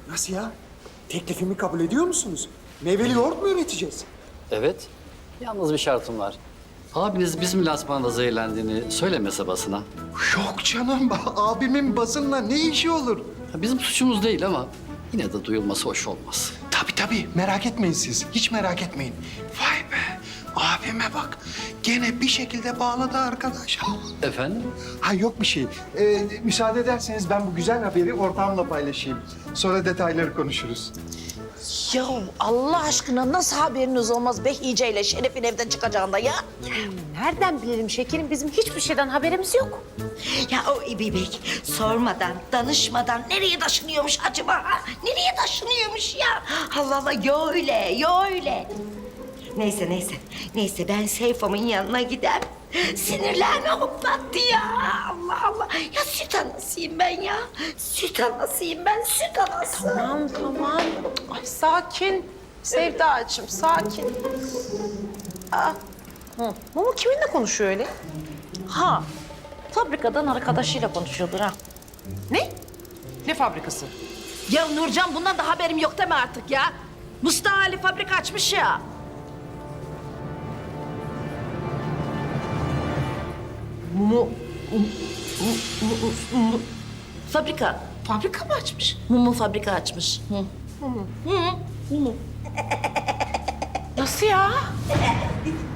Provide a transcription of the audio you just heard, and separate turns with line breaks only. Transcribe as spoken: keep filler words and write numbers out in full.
Nasıl ya? Teklifimi kabul ediyor musunuz? Meyveli yoğurt mu üreteceğiz?
Evet. Yalnız bir şartım var. Abiniz bizim lansmanda zehirlendiğini söylemese basına.
Yok canım, abimin basınla ne işi olur?
Ya bizim suçumuz değil ama yine de duyulması hoş olmaz.
Tabii tabii, merak etmeyin siz. Hiç merak etmeyin. Vay be, abime bak. Gene bir şekilde bağladı arkadaş.
Efendim?
Ha yok bir şey. Ee, müsaade ederseniz ben bu güzel haberi ortağımla paylaşayım. Sonra detayları konuşuruz.
Ya Allah aşkına nasıl haberiniz olmaz Behice ile Şeref'in evden çıkacağında ya?
Nereden bilelim şekerim? Bizim hiçbir şeyden haberimiz yok.
Ya o İbibek sormadan, danışmadan nereye taşınıyormuş acaba? Ha? Nereye taşınıyormuş ya? Allah Allah, yo öyle, yo öyle. Neyse neyse, neyse ben Seyfo'mun yanına gider. Sinirlerini hoplattı ya. Allah Allah. Ya süt anasıyım ben ya. Süt anasıyım ben, süt anası.
Tamam tamam. Ay sakin. Sevdacığım sakin. Aa. Hı. Mumu kiminle konuşuyor öyle?
Ha, fabrikadan arkadaşıyla konuşuyordur ha.
Ne? Ne fabrikası?
Ya Nurcan, bundan da haberim yok deme artık ya. Mustafa Ali fabrika açmış ya.
Mumu
Fabrika.
fabrika mı açmış?
Mumu fabrika açmış. Hı.
Nasıl ya?